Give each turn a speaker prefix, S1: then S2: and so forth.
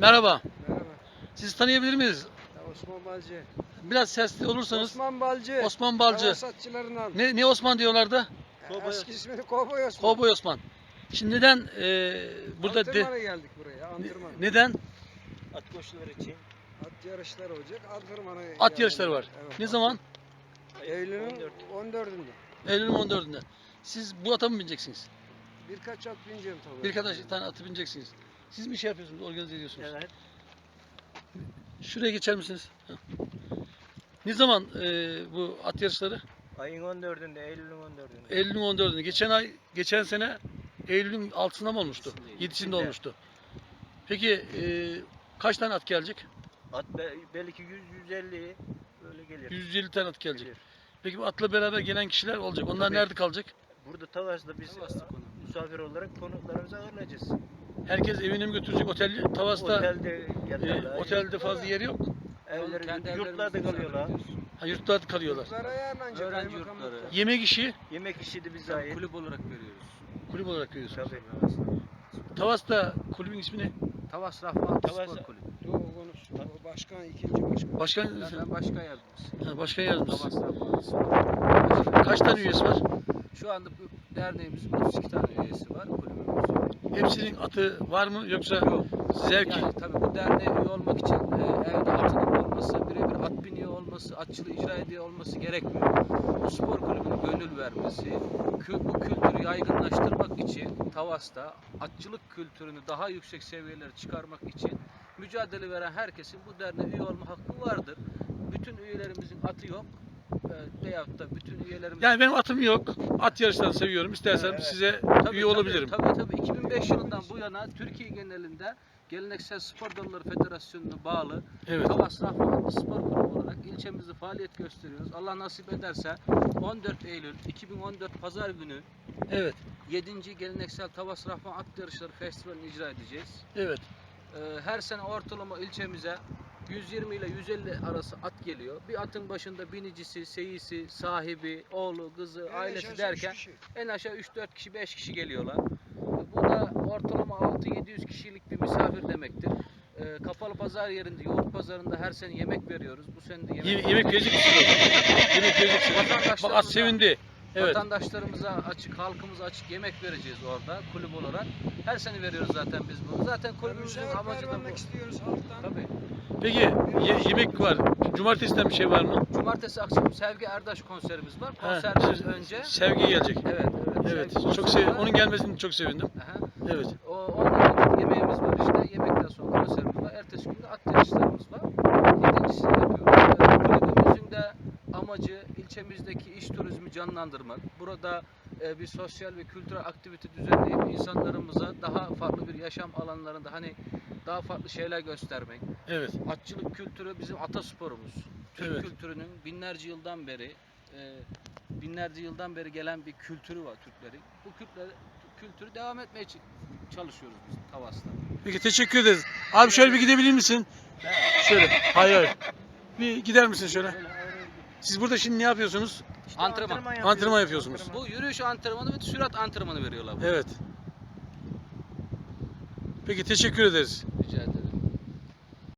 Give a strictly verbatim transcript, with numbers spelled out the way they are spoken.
S1: Merhaba.
S2: Merhaba.
S1: Sizi tanıyabilir miyiz?
S2: Ya Osman Balcı.
S1: Biraz sesli olursanız.
S2: Osman Balcı.
S1: Osman Balcı.
S2: Hava satçılarından.
S1: Ne, ne Osman diyorlardı?
S2: Ya, eski ismini Kovboy Osman.
S1: Kovboy Osman. Şimdi neden e, burada de,
S2: Antrenmana geldik buraya. Antrenman.
S1: neden?
S3: At koşuları için.
S2: At yarışları olacak. Antrenmana
S1: At
S2: geldik.
S1: yarışları var.
S2: Evet.
S1: Ne zaman?
S2: Eylül'ün
S3: on dört.
S2: on dördünde.
S1: Eylül'ün on dördünde. Siz bu ata mı bineceksiniz?
S2: Birkaç at bineceğim tabii.
S1: Birkaç tane atı bineceksiniz. Siz mi şey yapıyorsunuz, organize ediyorsunuz?
S3: Evet.
S1: Şuraya geçer misiniz? Heh. Ne zaman e, bu at yarışları?
S3: Ayın on dördünde, Eylül'ün on dördünde.
S1: Eylül'ün on dördünde. Geçen ay, geçen sene Eylül'ün altısında mı olmuştu? yedisinde olmuştu. Peki e, kaç tane at gelecek?
S3: At be- belki yüz yüz elli böyle gelir.
S1: yüz elli tane at gelecek.
S3: Gelir.
S1: Peki bu atla beraber gelen kişiler olacak. Onlar
S3: Tabii.
S1: nerede kalacak?
S3: Burada Tavas'ta biz misafir olarak konuklarımızı ağırlayacağız.
S1: Herkes evine mi götürecek? Otel, Tavas'ta
S3: Otelde
S1: e,
S3: yatarlar.
S1: otelde fazla yeri yok mu?
S3: Evleri,
S4: Kendi
S3: yurtlarda
S4: evlerimizde
S3: kalıyorlar.
S1: Ha, yurtlarda kalıyorlar.
S2: Yurtlara ayarlanacak.
S4: Öğrenci
S2: kaymakamlıkta.
S4: yurtları.
S1: Yemek işi
S3: Yemek işi de bize
S4: Tabii
S3: ait.
S4: kulüp olarak veriyoruz.
S1: kulüp olarak veriyorsunuz.
S3: Tabii.
S1: Tavas'ta kulübün ismi ne?
S4: Tavas Rahman
S3: Tavas-
S4: Spor Kulübü.
S2: Dur konuş. O başkan, ikinci başkan.
S1: Başkan,
S4: Ben, ben başkan yardımcısı.
S1: ha, başkan yardımcısı.
S4: Tavas Rahman Spor.
S1: Kaç tane üyesi var?
S4: Şu anda bu derneğimizin otuz iki tane üyesi var kulübümüzün.
S1: Hepsinin atı var mı yoksa
S4: Yok.
S1: zevki?
S4: Yani tabii bu derneğe üye olmak için e, evde atının olması, birebir at biniyor olması, atçılığı icra ediyor olması gerekmiyor. Bu spor kulübünün gönül vermesi, kü- bu kültürü yaygınlaştırmak için Tavas'ta atçılık kültürünü daha yüksek seviyelere çıkarmak için mücadele veren herkesin bu derneğe üye olma hakkı vardır. Bütün üyelerimizin atı yok. E, veyahut da bütün üyelerimiz...
S1: Yani benim atım yok. At yarışlarını seviyorum. İstersem
S3: Evet.
S1: size
S4: Tabii,
S1: üye
S4: tabii,
S1: olabilirim.
S4: Tabii tabii. iki bin beş yılından bu yana Türkiye genelinde Geleneksel Spor Dalları Federasyonu'na bağlı
S1: Evet.
S4: Tavas Rahman Spor Kulübü olarak ilçemizde faaliyet gösteriyoruz. Allah nasip ederse on dört Eylül iki bin on dört Pazar günü
S1: Evet.
S4: yedinci Geleneksel Tavas Rahman At Yarışları Festivali'ni icra edeceğiz.
S1: Evet.
S4: Ee, her sene ortalama ilçemize yüz yirmi ile yüz elli arası at geliyor. Bir atın başında binicisi, seyisi, sahibi, oğlu, kızı,
S2: En
S4: ailesi
S2: aşağısı
S4: derken
S2: üç kişi.
S4: en aşağı üç dört kişi, beş kişi geliyorlar. Bu da ortalama altı yedi yüz kişilik bir misafir demektir. Ee, kapalı pazar yerinde, yoğurt pazarında her sene yemek veriyoruz. Bu sene de yemek,
S1: Ye- yemek verecek misiniz? Yemek verecek misiniz? Bak at sevindi. Evet.
S4: Vatandaşlarımıza açık, halkımıza açık yemek vereceğiz orada kulüp olarak. Her sene veriyoruz zaten biz bunu. Zaten kulübümüzün
S2: Misafir
S4: amacı da
S2: vermek
S4: bu.
S2: istiyoruz halktan.
S4: Tabii.
S1: Peki ye- yemek var. Cumartesiden bir şey var mı?
S4: Cumartesi akşam Sevgi Erdaş konserimiz var.
S1: Ha,
S4: Konserden
S1: siz-
S4: önce
S1: Sevgi gelecek.
S4: evet evet.
S1: Evet.
S4: Sevgi
S1: Çok
S4: konseri
S1: sev
S4: var.
S1: onun gelmesini çok sevindim.
S4: Aha.
S1: Evet.
S4: O ondan önce yemeğimiz var işte. Yemekten sonra konserimiz var. Ertesi gün de at yarışlarımız var. Yedincisini yapıyoruz. Ee, Kulübümüzün de amacı ilçemizdeki iş turizmi canlandırmak. Burada e, bir sosyal ve kültürel aktivite düzenleyip insanlarımıza daha farklı bir yaşam alanlarında hani daha farklı şeyler göstermek.
S1: Evet.
S4: Atçılık kültürü bizim atasporumuz. Türk
S1: Evet.
S4: kültürünün binlerce yıldan beri e, binlerce yıldan beri gelen bir kültürü var Türklerin. Bu kültürü, kültürü devam etmeye ç- çalışıyoruz biz Tavas'ta.
S1: Peki teşekkür ederiz. Abi şöyle bir gidebilir misin? Şöyle. Hayır hayır. Bir gider misin şöyle? Siz burada şimdi ne yapıyorsunuz?
S3: İşte
S4: Antrenman.
S3: yapıyoruz.
S1: Antrenman yapıyorsunuz.
S3: Antrenman.
S4: Bu yürüyüş antrenmanı ve sürat antrenmanı veriyorlar.
S1: Evet. Peki teşekkür ederiz.